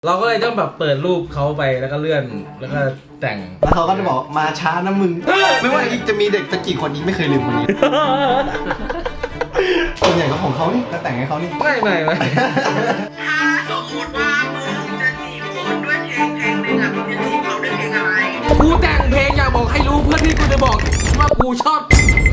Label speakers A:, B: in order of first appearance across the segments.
A: เราก็เลยต้องแบบเปิดรูปเขาไปแล้วก็เลื่อนแล้วก็แต่ง
B: แล้วเขาก็จะบอกมาช้านะมึงไม่ว่าอีกจะมีเด็กสักกี่คนอีกไม่เคยลืมคนนี้ส่วนใหญ่ก็ของเขานี่ก็แต่งให้เขานี่
A: ไม่
C: ถ้าสมมติว่ามึงจะจีบคนด้วยเพลงหนึ่งอ่ะมึงจะจีบเขาด้วยเพลงอะไร
A: กูแต่งเพลงอยากบอกให้รู้เพื่อที่กูจะบอกว่ากูชอบ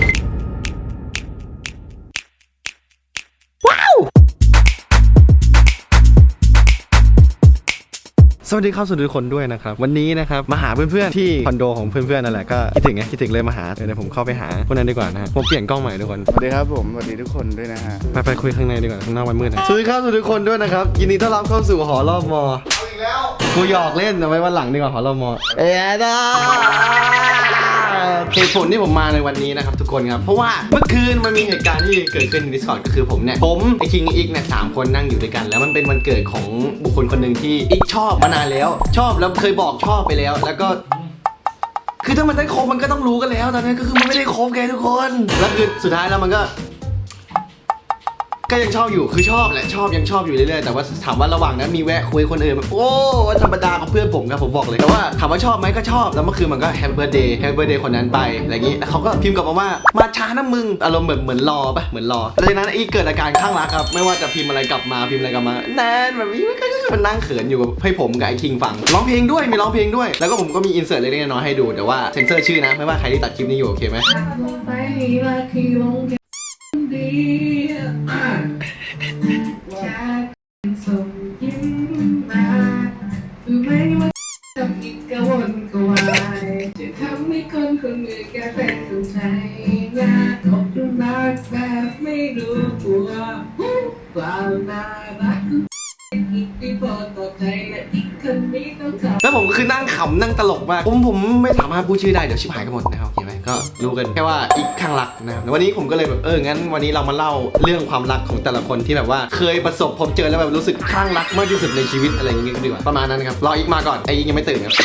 B: สวัสดีครับสวัสดีทุกคนด้วยนะครับวันนี้นะครับมาหาเพื่อนๆที่คอนโดของเพื่อนๆนั่นแหละก็คิดถึงเลยมาหาเดี๋ยวผมเข้าไปหาพวกนั้นดีกว่านะฮะผมเปลี่ยนกล้องใหม่ทุกคน
D: สวัสดีครับผมสวัสดีทุกคนด้วยนะฮะ
B: ไปคุยข้างในดีกว่าข้างนอกมันมืดนะสวัสดีครับสวัสดีทุกคนด้วยนะครับยินดีต้อนรับเข้าสู่หอรอบมอเอาอีกแล้วกูหยอกเล่นเอาไว้วันหลังดีกว่าหอรอบมอเหตุผลที่ผมมาในวันนี้นะครับทุกคนครับเพราะว่าเมื่อคืนมันมีเหตุการณ์ที่เกิดขึ้นใน Discord ก็คือผมไอคิงอีกเนี่ย3 คนนั่งอยู่ด้วยกันแล้วมันเป็นวันเกิดของบุคคลคนหนึ่งที่อีกชอบมานานแล้วชอบแล้วเคยบอกชอบไปแล้วแล้วก็คือถ้ามันได้คบมันก็ต้องรู้กันแล้วตอนนั้นก็คือมันไม่ได้คบแกทุกคนแล้วคือสุดท้ายแล้วมันก็ยังชอบอยู่คือชอบแหละยังชอบอยู่เรื่อยๆแต่ว่าถามว่าระหว่างนั้นมีแวะคุยคนอื่นแบบโอ้ธรรมดากับเพื่อนผมครับผมบอกเลยแต่ว่าถามว่าชอบไหมก็ชอบแล้วเมื่อคืนมันก็แฮปปี้เบิร์ธเดย์คนนั้นไปอะไรอย่างงี้แล้วเขาก็พิมพ์กลับมาว่ามาช้านะมึงอารมณ์แบบเหมือนรอปะเหมือนรอแล้วจากนั้นอีกเกิดอาการข้างรักครับไม่ว่าจะพิมพ์อะไรกลับมาแนนแบบนี้ก็มันนั่งเขินอยู่กับให้ผมกับไอ้คิงฟังร้องเพลงด้วยมีร้องเพลงด้วยแล้วก็ผมก็มีอินเสิร์ตเล็กๆน้อยๆให้ดูแต่ว่าเซ็นเซอร์ชื่อนะไม่ว่าใครที่ตัดคลิปนี้อยู่โอเคไหม
C: ส่งยิ้มมาคือไม่ว่าทำอีกกระวนกระวายจะทำให้คนคนหนึ่งแกเป็นคนใจยากตกลุมรักแบบไม่รู้ตัวความน่ารักอีกที่พอต่อใจและอีกคนนี้ต้องทำ
B: แล้วผมคือนั่งขำนั่งตลกมากผมไม่สามารถพูดชื่อได้เดี๋ยวชิบหายกันหมดนะครับโอเคไหมก็รู้กันแค่ว่าอีกข้างรักนะครับวันนี้ผมก็เลยแบบงั้นวันนี้เรามาเล่าเรื่องความรักของแต่ละคนที่แบบว่าเคยประสบพบเจอแล้วแบบรู้สึกข้างรักมากที่สุดในชีวิตอะไรอย่างงี้ดีกว่าประมาณนั้นครับรออีกมาก่อนไอ้อีกยังไม่ตื่นครับ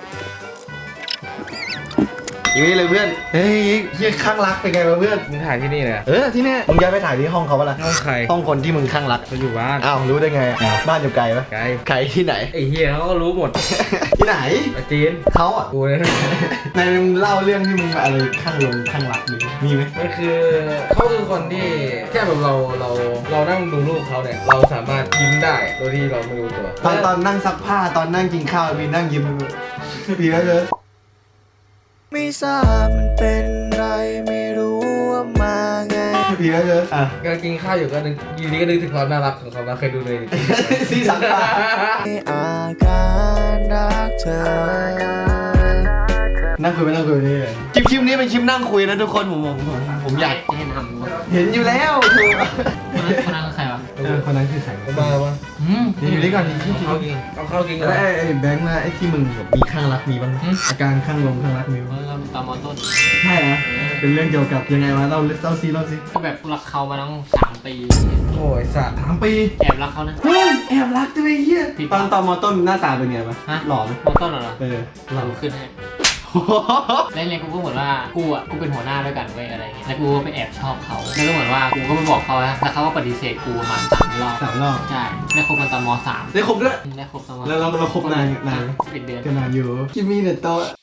B: อีกไม่เลยเพื่อนเฮ้ยยี่ข้างรักเป็นไงวะเพื่อน
A: มึงถ่ายที่นี่เลย
B: ที่นี่มึงย้ายไปถ่ายที่ห้องเขาปะล่ะ
A: ห้องใคร
B: ห้องคนที่มึงข้างรัก
A: เขาอยู่บ้าน
B: อ้าวรู้ได้ไงบ้านอยู่ไกลปะไกลที่ไหน
A: ไอ้เฮียเขาก็รู้หมด
B: ที่ไหน
A: จีน
B: เขาอ่ะ
A: กูเลย
B: ในมึงเล่าเรื่องที่มึงอะไรข้างรักมีไหม
A: มันคือเขาคือคนที่แค่แบบเรานั่งดูรูปเขาเนี่ยเราสามารถยิ้มได้โดยที่เราไม่รู้ตัว
B: ตอนนั่งซักผ้าตอนนั่งกินข้าวมีนั่งยิ้มมีไหมเลย
D: ไม่ทราบมันเป็นไรไม่รู้ว่ามาไง
B: มีไหมเลย
A: ก็กินข้าวอยู่ก็นึกอยู่ดีก็นึกถึงความน่ารักของเขาเคยดูเลย
B: ซีซักผ้า
D: อาการรักเธอ
B: นั่งคุยนี่คลิปนี้เป็นคลิปนั่งคุยนะทุกคนผมอยากเห็นอยู่แล้ว
A: คนนั้นใครวะ
B: คนนั้นคือใคร
A: บ้าวะ
B: อยู่นี่ก่อนที่
A: เขากิน
B: แล้วไอ้แบงค์นะไอ้ที่มึงแบบมีข้างรักมีบ้างอาการข้างรักมีบ้าง
A: ตามมอต้น
B: ใช่นะเป็นเรื่องเกี่ยวกับยังไงวะเล่าซิ
E: ก็แบบรักเขามาตั้ง3 ปี
A: โอ้ยสัตว์
B: 3 ปี
E: แอบรักเขานะ
B: เฮ้ยแอบรักด้วยเฮียตอนมอต้นหน้าตาเป็นไงปะหล่อไหม
E: มอต้นเหรอ
B: หล่อ
E: ขึ้นให้เล่นกูก็เหมือนว่ากูเป็นหัวหน้าด้วยกันเว้ยอะไรเงี้ยแล้วกูก็ไปแอบชอบเขาแล้วก็เหมือนว่ากูก็ไปบอกเขาแล้วเขาก็ปฏิเสธกูประมาณ3 รอบใช่ได้คบกันตอนม3
B: ได้คบด้วย
E: ได้คบตอน
B: แล้วเราคบนาน
E: 11 เดือน
B: ก็นานอยู่คิมิเนโตะ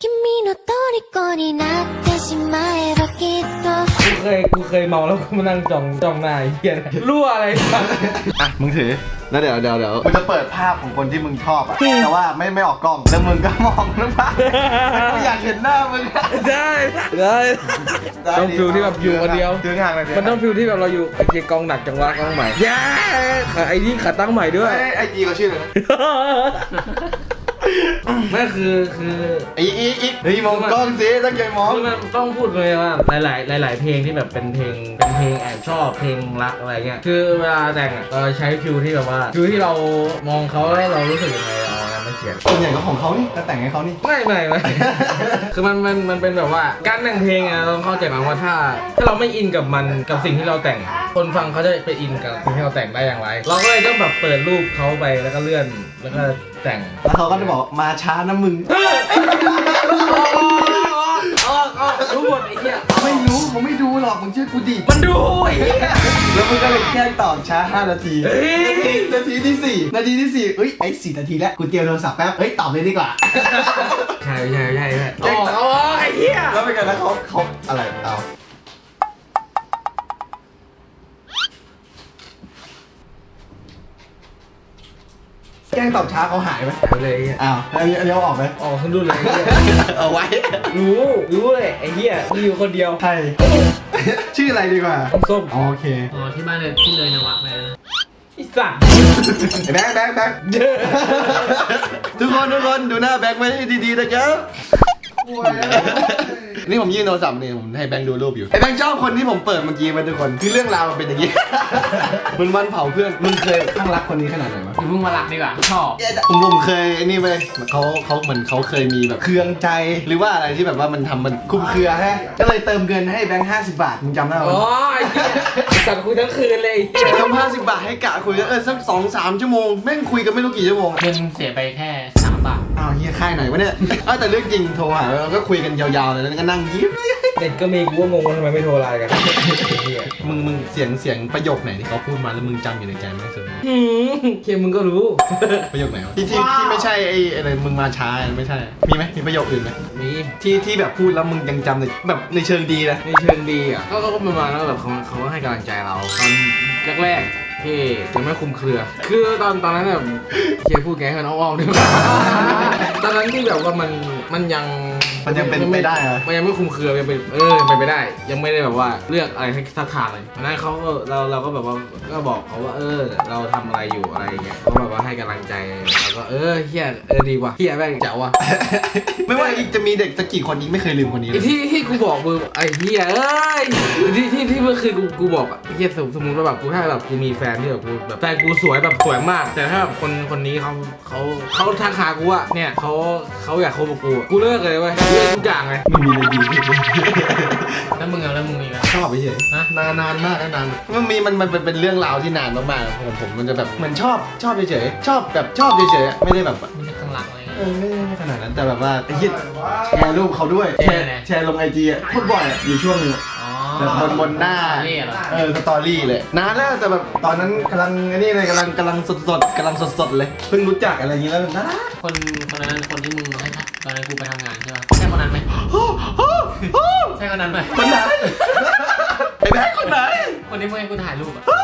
A: กูเคยเมาแล้วก็มานั่งจ้องหน้าเฮียรั่วอะไร
B: อ่ะมึงถือแล้วเดี๋ยวมึงจะเปิดภาพของคนที่มึงชอบอ่ะแต่ว่าไม่ออกกล้องแล้วมึงก็มองนะภาพกูอยากเห็นหน้ามึง
A: ได้ต้องฟิลที่แบบอยู่คนเดียวมันต้องฟิลที่แบบเราอยู่ไอ้เกียร์กองหนักจังวะกองใหม่แย่ไอ้นี่ขาตั้งใหม่ด้วย
B: ไอ้จีเขาชื่ออะไร
A: ไม่คือ
B: ไอ้อีเฮ้ยมองกล้องสิตั้งใจมอง
A: มันต้องพูดเลยว่าหลายเพลงที่แบบเป็นเพลงแอบชอบเพลงรักอะไรเงี้ยคือเวลาแต่งเราใช้ฟิลที่แบบว่าฟิลที่เรามองเขาแล้วเรารู้สึกยังไงเอางานมาเขียน
B: ส่วนใหญ่ก็ของเขานี่ก็แต่งให้เขานี่
A: ไม่คือมันเป็นแบบว่าการแต่งเพลงอะเราต้องเข้าใจว่าถ้าเราไม่อินกับมันกับสิ่งที่เราแต่งคนฟังเขาจะไปอินกับสิ่งที่เราแต่งได้อย่างไรเราก็เลยต้องแบบเปิดรูปเขาไปแล้วก็เลื่อนแล้วก็แต่ง
B: แล้วเขาก็จะบอกมาช้านะมึง
A: รู้หมดไอ้เหี้ย
B: ไม่รู้เขาไม่ดูหรอกมึงเชื่อกูดิ
A: มันดูไอ้เหี้ย
B: แล้วมึงก็เลยแกล้งตอบช้า5 นาที
A: เฮ้ย
B: นาทีที่4เอ้ยไอ้4 นาทีแล้วกูเตรียมโทรศัพท์แป๊บเฮ้ยตอบเลยดีกว่า
A: ใช่เอาไอ้เหี้ย
B: แล้วเป็นไงแล้วเขาอะไรเอาแกล้งตอบช้าเขาหายไหม
A: หายไปเลยไอ้เหี้ย
B: อ้าวอันนี้เอาออกไหม
A: ออกขึ้นรุ่นเลยไอ้เหี้ย
B: เอาไว้
A: รู้เลยไอ้เหี้ยมีอยู่คนเดียว
B: ใช่ ชื่ออะไรดีกว่า
A: ส้ม
B: โอเค
E: อ๋อที่บ้านเลยที่เลยนวะไปแล้วนะ
A: ไอ้สัตว์
B: แบงค์ทุกคนดูหน้าแบงค์ไว้ให้ดีๆนะครับนี่ผมยื่นโทรศัพท์นี่ผมให้แบงค์ดูรูปอยู่ไอ้แบงค์ชอบคนที่ผมเปิดเมื่อกี้ไหมทุกคนคือเรื่องราวมันเป็นอย่างนี้ มันวันเผาเพื่อนมึงเคยข้างรักคนนี้ขนาดไหนวะ
E: อย่าเพิ่งมารักดีกว่าชอบ
B: ผมเคยไอ้นี่ไปเขาเหมือนเขาเคยมีแบบเครืองใจหรือว่าอะไรที่แบบว่ามันทำมันคุ้มเครือฮะก็เลยเติมเงินให้แบงค์50 บาทมึงจำได้ไหม
A: อ๋อไอ้เหี้ยไอ้สัตว์คุยทั้งคืนเลยไอ้เหี้ย
B: เติม50 บาทให้กะคุยกันสัก2-3 ชั่วโมงแม่งคุยกันไม่รู้กี่ชั่วโมง
E: เงินเสียไปแค่3 บาท
B: อ้าวเฮียค่ายไหนวะเนี่ยแต่เรื่องจริงโทรหาเราก็คุยกันยาวๆเลยแล้วก็นั่งยิ้ม
A: เด็กก็มีกูว่างงว่าทำไมไม่โทรไลน์กันไอ้เหี้ย
B: มึงเสียงประโยคไหนที่เขาพูดมาแล้วมึงจำอยู่ในใจไหมสุด
A: เคมึงก็รู้
B: ประโยคไหนวะที่ไม่ใช่ไอ้อะไรมึงมาช้าไม่ใช่มีไหมมีประโยคอื่นไหม
A: มี
B: ที่แบบพูดแล้วมึงยังจำในแบบในเชิงดีนะ
A: ในเชิงดีอ่ะก็ประมาณว่าแบบเขาให้กำลังใจเราตอนแรกๆที่ยังไม่คุมเครือ คือตอนนั้นแบบเคพูดแกให้มันอ้อมๆด้วยตอนนั้นที่แบบว่ามันยัง
B: เป็นไปได้เหรอ
A: มันยังไม่คุมเครือยังเป็นเป็นไปได้ ยังไม่ได้แบบว่าเลือกอะไรให้สักทางเลยวันนั้นเขาก็เราก็แบบว่าก็บอกเขาว่าเราทำอะไรอยู่อะไรอย่างเงี้ยเขาแบบว่าให้กำลังใจเราก็เฮียดีว่ะเฮียแม่งเจ๋วว่ะ
B: ไม่ว่าอีกจะมีเด็กสักกี่คนอีกไม่เคยลืมคนนี้เล
A: ไอ้
B: ย
A: ที่กูบอกมึงไอ้เฮียที่เมื่อคืนกูบอกอ่ะไอ้เฮียสมมติว่าแบบกูถ้าแบบกูมีแฟนที่แบบกูแบบแฟนกูสวยแบบสวยมาก แต่ถ้าแบบคนนี้เขาทักหากูอ่ะเนี่ยเขาอยากคบกับกูเลิกเลยเว้ยเลิกทุกอย่างเลย
B: ไม่มีอะไรดีขึ้นเลย
E: แล้วมึงมีไหม
B: ชอบไปเฉย
E: ฮะ
B: นานมากนานมันเป็นเรื่องราวที่นานมากๆของผมมันจะแบบเหมือนชอบเฉยชอบเฉยไม่ได้แบบ
E: ไม่ใช่ข้างหลังอะไรเงี้ย
B: ไม่ได้ขนาดนั้นแต่แบบว่าไอ้ยิดแชร์รูปเขาด้วยแชร์ลงIGอ่ะพูดบ่อยอ่ะอยู่ช่วงนึง
E: อ๋อ
B: แบบบนหน้า
E: นี่เหรอ
B: สตอรี่เลยนานแล้วแต่แบบตอนนั้นกำลังไอ้นี่เลยกำลังสดเลยเพิ่งรู้จักอะไรอย่างงี้แล้วนะ
E: คนนั้นคนที่มึงให้ตอนนั้นกูไปทำงานใช่ป่ะใช่คนนั้นไหมใช่คนนั้นไหม
B: คนไหนไอ้แบ๊กคนไหน
E: คนที่มึงให้กูถ่ายรูปอ่ะ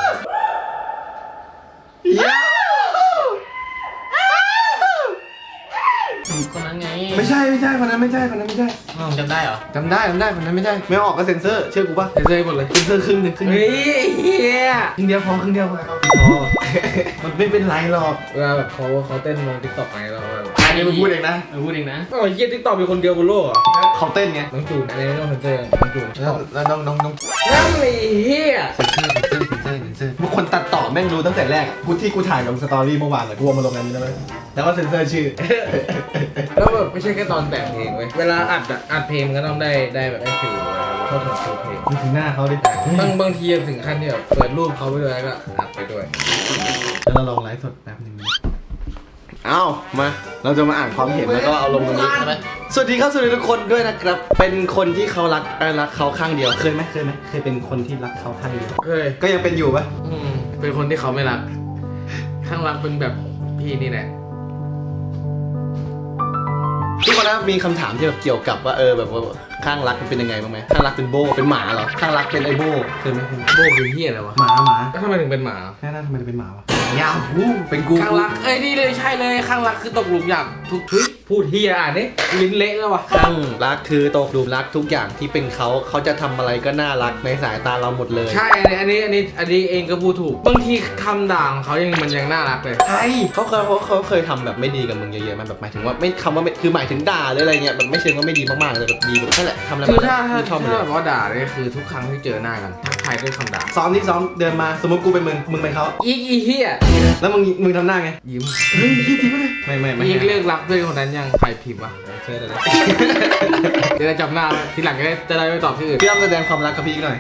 E: คนนั้นไง
B: ไม่ใช่คนนั้นไม่ใช่
E: มึงจำได้เหรอ
B: จำได้คนนั้นไม่ใช่ไม่ออกก็เซ็นเซอร์เชื่อกูป่ะ
A: เซยหมดเลย
B: เซ็นเซอร์ครึ่งหนึง
A: เฮ้ยเฮีย
B: ครึ่งเดียวพอมันไม่เป็นไรหรอก
A: เวลาแบบเขาเต้นลงทิกตอกไงเราแบบ
B: อันนี้มึงพูดเองนะ
E: พูดเองนะ
A: โอ้ยเฮียทิกตอกมีคนเดียวบนโลกเหรอ
B: เขาเต้นไง
A: น้องจูนอันนี้ไม่ต้องเซนเซอร์น้องจูน
B: แล้วน้อง
A: นั่นเลยเฮีย
B: เซ็นเซอร์บางคนตัดต่อแม่งรู้ตั้งแต่แรกกูถ่ายลงสตอรี่เมื่อวานเลยกูเอามาลงอันนี้แล้วแล้วก็เซ็นเซอร์ชื่อ
A: แล้วแบบไม่ใช่แค่ตอนแต่งเพลงเว้ยเวลาอัดเพลงมันก็ต้องได้แบบได้ฟิลเข้าถึงฟิลเพลง
B: มึงถึงหน้าเขาดิ
A: บางทีถึงขั้นที่แบบเปิดรูปเขาไปด้วยแล้วก็อัดไปด้วย
B: แล้วเราลองไลฟ์สดแป๊บนึงเอามาเราจะมาอ่านความเห็นแล้วก็เอาลงตรงนี้ใช่ไหมสวัสดีครับสวัสดีทุกคนด้วยนะครับ เป็นคนที่เขารักเขาข้างเดียวเคยไหมเคยเป็นคนที่รักเขาข้างเดียว
A: เคย
B: ก็ยังเป็นอยู่ปะ
A: เป็นคนที่เขาไม่รัก ข้างรักเป็นแบบพี่นี่แหละ
B: ทุกคนนะมีคำถามที่แบบเกี่ยวกับว่าแบบว่าข้างรักมันเป็นยังไงบ้างไหมข้างรักเป็นโบเป็นหมาเหรอข้างรักเป็นไอโบเคยไหม
A: โบคือเฮียอะไรวะ
B: หมา
A: แล้วทำไมถึงเป็นหมา
B: แค่นั้นทำไมเป็นหมาวะยาวเป็นกู
A: ข้างรักนี่เลยใช่เลยข้างรักคือตกหลุมอย่างทุกพูดเฮียอ่านนี่ลิ้นเละแล้ววะ
B: ข้างรักคือตกหลุมรักทุกอย่างที่เป็นเขาจะทำอะไรก็น่ารักในสายตาเราหมดเลย
A: ใช่อันนี้เองก็พูดถูกบางทีคำด่าของเขามันยังน่ารักเลย
B: ใช่เขาเคยทำแบบไม่ดีกับมึงเยอะๆมันแบบหมายถึงว่าไม่คำว่าไม่คือหมายถึงด่าหรืออะไรเงี้ยแบบไม่เชิงว่าไม่ดีมากๆเลยแบบดีแบบนั่นแหละทำอะไร
A: คือถ้า
B: ชอบมันเลย
A: แบบว่าด่าเนี่ยคือทุกครั้งที่เจอหน้ากันทักทายด้วยคำด่า
B: ซ้อมเดินมาสมมติกูเป็นมึงเป็นเขา
A: อีเฮีย
B: แล้วมึงทำหน้าไง
A: ยิ้ม
B: เฮ้ยจริงปะเนี่ยไม่
A: อีเลิกรักเพื่อนคนนั้นยังใครพิมพ์วะเชิญเลยเดี๋ยวจะจำหน้าไว้ทีหลังจะได้ไม่ตอบที่อื่น
B: พี่อ้ำแสดงความรักกับพี่หน่อย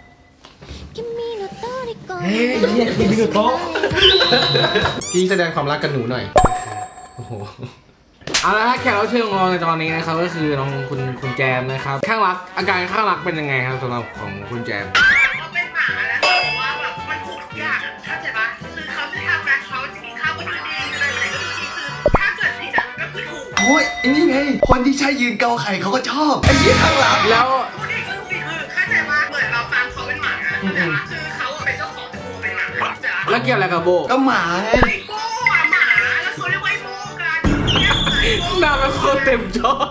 A: เฮ้ยเฮียคิมิโนโตะ
B: พี่แสดงความรักกับหนูหน่อย
A: โอ้โหเอาละฮะแขกรับเชิญของเราในตอนนี้นะครับก็คือน้องคุณแจมนะครับข้างรักอาการข้างรักเป็นยังไงครับสำหรับของคุณแจม
C: เขาเป็นหมาแล้วแต่ว่าแบบมันถูกทุกอย่างอะเข้าใจปะคือเขาจะทำนะเขาจะกินข้าวก็คือดีอะไรก็คือดีคือถ้าเกิดผิดอะก็คือถูก
B: โอ้ยไอ้นี่ไง คนที่ใช้ยืนเกาไข่เขาก็ชอบไอ้ยี่ข้างหลัง
A: แล้ว
C: พูดดีก็ถูกดีคือเข้าใจปะเหมือนเราตามเขาเป็นหมาอะเข้าใจปะคือเขาอะเป็นเจ้าของแต่กูเป็นหมาเข้าใจปะ
A: แล้วเกี่ยวอะไรกับโบ
B: ก็หมาไง
C: ไอ้โบ้อะหมาแล้วเขาเรียกว่าไอ้โบ้กันเนี่ยไอ้โบ้
A: หน้ามันโคตรเต็มจอ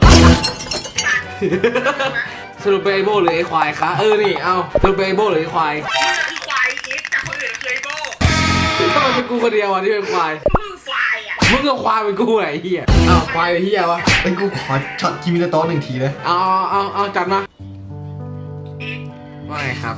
A: สรุปเป็นไอโบหรือไอควายคะนี่เอาสรุปเป็นไอโบหรือไอควาย
C: นี่คือควายอีกแต่คนอื่นคือไอ้โบ้
A: ทำไมเป็นกูคนเดียวอ่ะที่เป็นควาย
C: มึงควายอะ
A: มึงก็ควายเป็นกูไอ้เหี้ยอ้าวควายเป็นเหี้ยวะ
B: เป็นกูขอช็อตคิมิโนโตะ1 ทีเลย
A: เอาจัดมา
C: อีก
A: ว่าไงครับ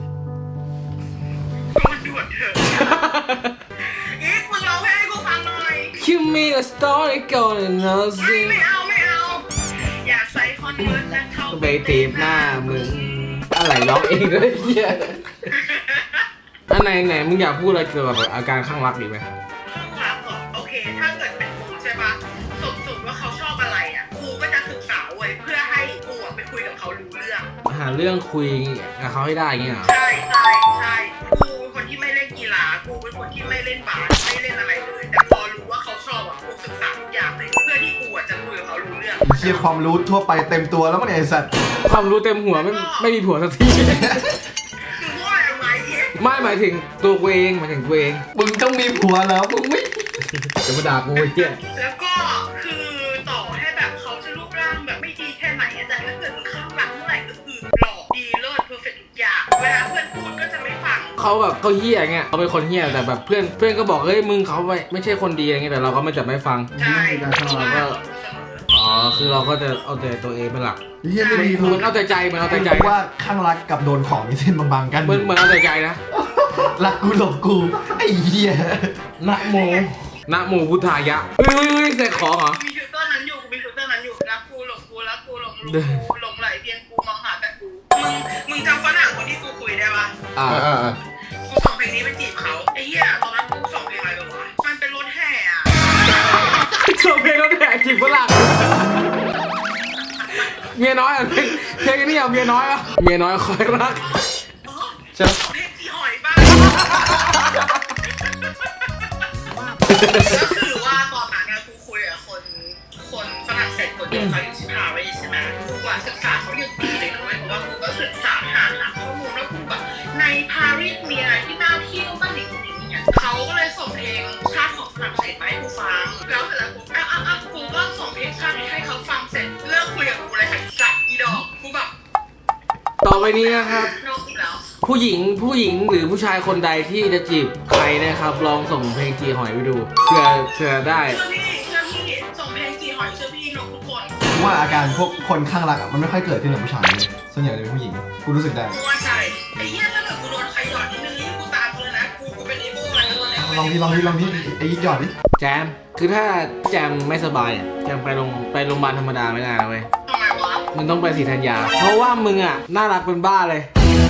C: มันด่วนเถอะอีกมึงร้องเพลงให้กูฟังหน่อย
A: Give me a story going on
C: ไม่เอาอย่าใส่คอนเวิร์ตและเข้า
A: ไปตีบหน้ามึงอะไรร้องเองเลยเหี้ยอันไหนมึงอยากพูดอะไรเกี่ยวกับอาการข้างรักดีไหม
C: ข้างรักเหรอโอเค ถ้าเกิดเป็นกูใช่ปะสมว่าเขาชอบอะไรอ่ะกูก็จะศึกษาเว้ยเพื่อให้กูอะไปคุยกับเขารู้เรื่อง
A: หาเรื่องคุยกับเขาให้ได้อย่างเงี้ยเหรอ
C: ใช่กูเป็นคนที่ไม่เล่นกีฬากูเป็นคนที่ไม่เล่นบาสไม่เล่นอะไรเลยแต่พอรู้ว่าเขาชอบอ่ะกูศึกษาทุกอย่างเลยเพื่อที่กูอะจะคุยกับเขารู้เรื่อง
B: เชี่ยความรู้ทั่วไปเต็มตัวแล้วมั้งเนี่ยไอ้สัตว์
A: ความรู้เต็มหัวไม่มีผัวสักที
C: มึงว่าอะไรอีก
A: ไม่หมายถึงตัวกูเองหมายถึงกูเอง
B: มึงต้องมีผัวแล้วมึงไม่
A: จะมาด่ากูไอ้เหี้ย
C: แล้วก็คือต่อให้แบบเขาจะรูปร่างแบบไม่ดีแค่ไหนอะแต่ถ้าเกิดมึงข้างหลังเมื่อไหร่ก็คือหล่อดีเลิศเพอร์เฟกต์ทุกอย่างเวลาเพื่อนพูดก็จะไม่ฟัง
A: เขาแบบเขาเหี้ยเงี้ยเขาเป็นคนเหี้ยแต่แบบเพื่อนก็บอกเฮ้ยมึงเขาไม่ใช่คนดีอะไรเงี้ยแต่เราก็ไม่จับไม่ฟัง
C: ใช่
A: เราก็อ๋อคือเราก็จะเอาแต่ตัวเองเป็นหลัก
B: เฮียไม่ดี
A: เหมือนเอาแต่ใจเหมือนเอาแต่ใจ
B: ว่าข้างรักกับโดนของมีเส้นบางๆกัน
A: เหมือนเอาแต่ใจนะ
B: รักกูหลบกูไอ้เหี้ย
A: นะโมนะโมพุทธายะเฮ้ยเสกของเหรอ
C: มีฟิลเตอร์นั้นอยู่รักกูหลงกูรักกูหลงกูหลงไหลเพียงกูมองหาแต่กูมึงจำฝรั่งคนที่กูคุยได้ปะ
A: อ่า
C: กูส่งเพลงนี้ไปจีบเขาไอ้เหี้ยตอนนั้นกูส่งเพลงอะไรไปวะมันเป็นรถแห่อะ
A: ส่งเพลงแล้วแดกจีบฝรั่งเมียน้อยอ่ะเพลงนี้อ่ะเมียน้อยอ่ะเมียน้อยคอยรัก
B: ใช่ไหม
C: เพลงจีหอยบ้างก็คือว่าตอนนั้นนะกูคุยกับคนฝรั่งเศสคนเดียวเขาอยู่ที่ปารีสใช่ไหมกูว่าศึกษาเขาอย่างดีเลยด้วยเพราะว่ากูก็ศึกษาหาข้อมูลแล้วกูแบบในปารีสมีอะไรที่น่าเที่ยวบ้างเนี่ยเขาก็เลยส่งเพลงชาติของฝรั่งเศสมาให้กูฟังแล้วเสร็จแล้วกูก็ส่งเพลงชาติให้เขาฟังเสร็จเลิกคุยกับกูเลยค่ะสัตว์อีดอกกูแบบ
A: ต่อไปนี้นะครับ
C: นอกอีกแล้ว
A: ผู้หญิงหรือผู้ชายคนใดที่จะจีบใครนะครับ ลองส่งเพลงจีหอยไปดูเผื่อได้
C: เชื่อพี่ส่งเพลงจีหอยเชื่อพี่หนูทุกคน
B: ว่าอาการพวกคนข้างรักมันไม่ค่อยเกิดขึ้นกับผู้ชายเลยส่วนใหญ่จะเป็นผู้หญิงกูรู้สึกได้
C: กูว่าใจไอ้เหี้ยถ้าเกิดกูโดนใครหยอดนิดนึงนี่กูตามกูเลยนะกูเป็นอีโบ้อะไรแล้วเนี่ย
B: ลองทีไอ้หยอดดิ
A: แจมคือถ้าแจมไม่สบายอ่ะแจมไปโรงพยาบาลธรรมดาไม่ได้นะเว้ย
C: ทำไมวะ
A: มึงต้องไปศรีธัญญาเพราะว่ามึงอ่ะน่ารักเป็นบ้าเลย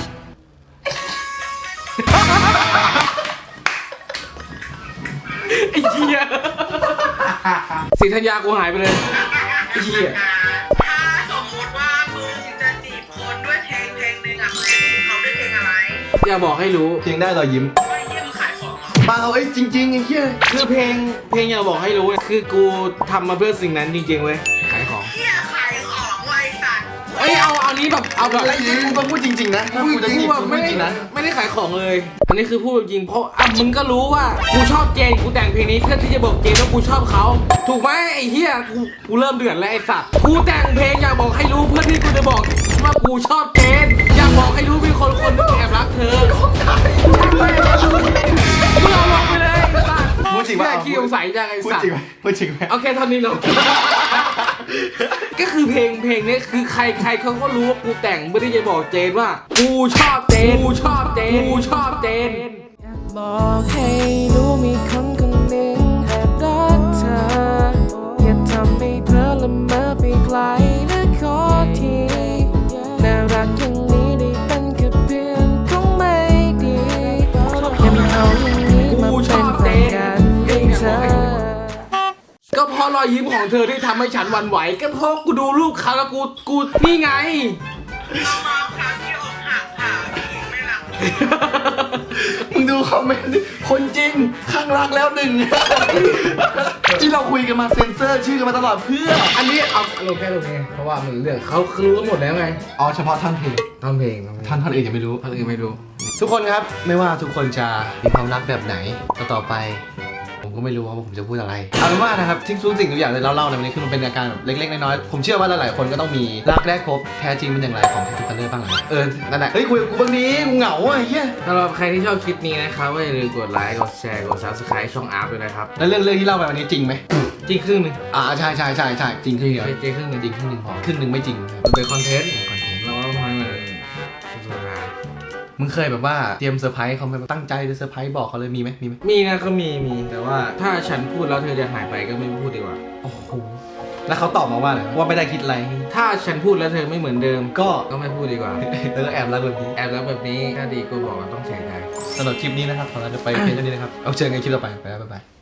A: ไอ้เหี้ยศรีธัญญากูหายไปเลยไอ้เหี้ย
C: ถ้าสมมติว่ามึงจะจีบคนด้วยเพลงหนึ่งอ่ะมึงจะจีบเขาด้วยเพลงอะไร
A: อย่าบอกให้รู้
B: เพียงได้รอยยิ้ม
C: ไอ้เหี้ยมึงขายของเหรอ
B: เปล่าไอ้จริงๆไอ้เหี้ย
A: คือเพลงอย่าบอกให้รู้เนี่ยคือกูทำมาเพื่อสิ่งนั้นจริงๆเว้ยขายของ
C: เหี้ยขายของไวสัตว์
A: เอ้ยเอานี้แบบเอาแบบ
B: ไอ้เหี้ยกูต้องพูดจริงๆนะถ้ากูจะจีบกูพูดจริงนะ
A: ไม่ได้ขายของเลย อันนี้คือพูดจริงเพราะมึงก็รู้ว่ากูชอบเจนกูแต่งเพลงนี้เพื่อที่จะบอกเจนว่ากูชอบเขาถูกไหมไอ้เหี้ยกูเริ่มเดือดแล้วไอ้สัตว์กูแต่งเพลงอยากบอกให้รู้เพื่อที่กูจะบอกว่ากูชอบเจนอยากบอกให้รู้มีคนนึงแอบรักเธอมึงเอาลงไปเลยไอ้สัตว์
B: พูดจริง
A: แค่
B: ป่ะ
A: ขี้สงสัยจังไอ้
B: พูด
A: สัต
B: จริง
A: ว์
B: ไหมพูดจริงไหม
A: โอเคเท่านี้เนาะ ก็คือเพลงนี้คือใครเขาก็รู้ว่ากูแต่งเพื่อที่จะบอกเจนว่ากูชอบเจนกูชอบเจน
D: บอกให้รู้มีคนคนหนึ่งแอบรักเธอ อย่าทำให้เธอละเมอไปไกลนะขอทีน่ารักอย่างนี้ได้เป็นแค่เพื่อนคงไม่ดีอย่ามาเอาอย่างนี้มาเป็นแฟนกันให้เธอ
A: ก็พราะรอยยิ้มของเธอที่ทำให้ฉันหวั่นไหวก็เพราะกูดูรูปเขาแล้วกูนี่ไง
B: มึงดูคอมเมนต์ดิคนจริงข้างรักแล้วหนึ่ง ที่เราคุยกันมาเซ็นเซอร์ชื่อกันมาตลอดเพื่อ
A: อันนี้เอาลงแค่ตรงนี้เพราะว่ามันเรื่องเขารู้กันหมดแล้วไง
B: อ๋อเฉพาะท่อนเพลง
A: ทำเพลง
B: ท่อนอื่นยังไม่รู้
A: ท่านอื่นไม่รู้
B: ทุกคนครับไม่ว่าทุกคนจะมีความรักแบบไหนต่อไป ผมก็ไม่รู้ว่าผมจะพูดอะไรเอาเป็นว่านะครับทุกสิ่งทุกอย่างที่เราเล่าในวันนี้คือมันเป็นอาการแบบเล็กๆน้อยๆผมเชื่อว่าหลายๆคนก็ต้องมีรักแรกพบแท้จริงเป็นอย่างไรของทุกคนเลยบ้างหลังนั่นแหละเฮ้ยคุยกับกูบางนี้กูเหงาอ่ะเฮีย
A: สำหรับใครที่ชอบคลิปนี้นะครับก็อย่าลืมกดไลค์กดแชร์กด subscribe ช่องอาร์ตด้วยนะครับ
B: แล้วเรื่องที่เล่าไปวันนี้จริงไหม
A: จริงครึ่งหนึง
B: ใช่จริงครึ่งเดียว
A: จริงครึ่งหนึง
B: จริงครึ่งหนึ่งพอครึ่งหนึ่งไม่จริงครับ
A: มันเป็นคอนเทนต์
B: คอนเทนต์
A: เราก็ต้องทำให้มันสนุกสนาน
B: มึงเคยแบบว่าเตรียมเซอร์ไพรส์เขาไหมตั้งใจจะเซอร์ไพรส์บอกเขาเลยมีไหม
A: มีนะก็มีแต่ว่าถ้าฉันพูดแล้วเธอจะหายไปก็ไม่พูดดีกว่า
B: โอ้โหแล้วเขาตอบมาว่าอะไรว่าไม่ได้คิดอะไร
A: ถ้าฉันพูดแล้วเธอไม่เหมือนเดิม
B: ก็
A: ก็ไม่พูดดีกว่า
B: แล้วก็แอบรักแบบนี้
A: แอบแล้วแบบนี้ถ้าดีก็บอกว่าต้องใส่ใจ
B: สำหรับคลิปนี้นะครับขอเราจะไปเพียงเท่านี้นะครับเอาเจอกันในคลิปต่อไปบ๊ายบาย